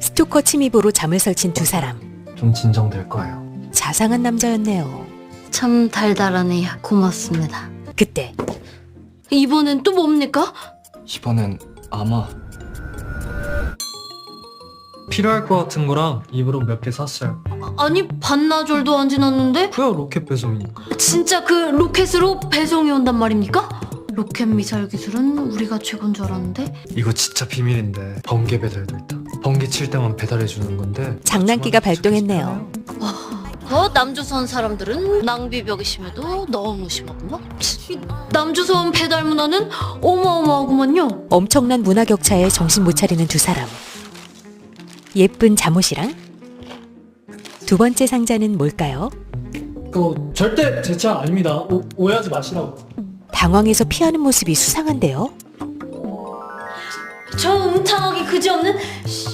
스토커 침입으로 잠을 설친 두 사람. 좀 진정될 거예요. 자상한 남자였네요. 참 달달하네요. 고맙습니다. 그때 이번엔 또 뭡니까? 이번엔 아마 필요할 것 같은 거랑 입으로 몇 개 샀어요. 아니 반나절도 안 지났는데? 그야 로켓 배송이니까. 진짜 그 로켓으로 배송이 온단 말입니까? 로켓 미사일 기술은 우리가 최고인 줄 알았는데. 이거 진짜 비밀인데 번개 배달도 있다. 번개 칠 때만 배달해 주는 건데 장난기가 발동했네요. 남조선 사람들은 낭비벽이 심해도 너무 심하구나. 이 남조선 배달 문화는 어마어마하구만요. 엄청난 문화 격차에 정신 못 차리는 두 사람. 예쁜 잠옷이랑 두 번째 상자는 뭘까요? 그거 절대 제 차 아닙니다. 오해하지 마시라고. 당황해서 피하는 모습이 수상한데요. 저 음탕하기 그지없는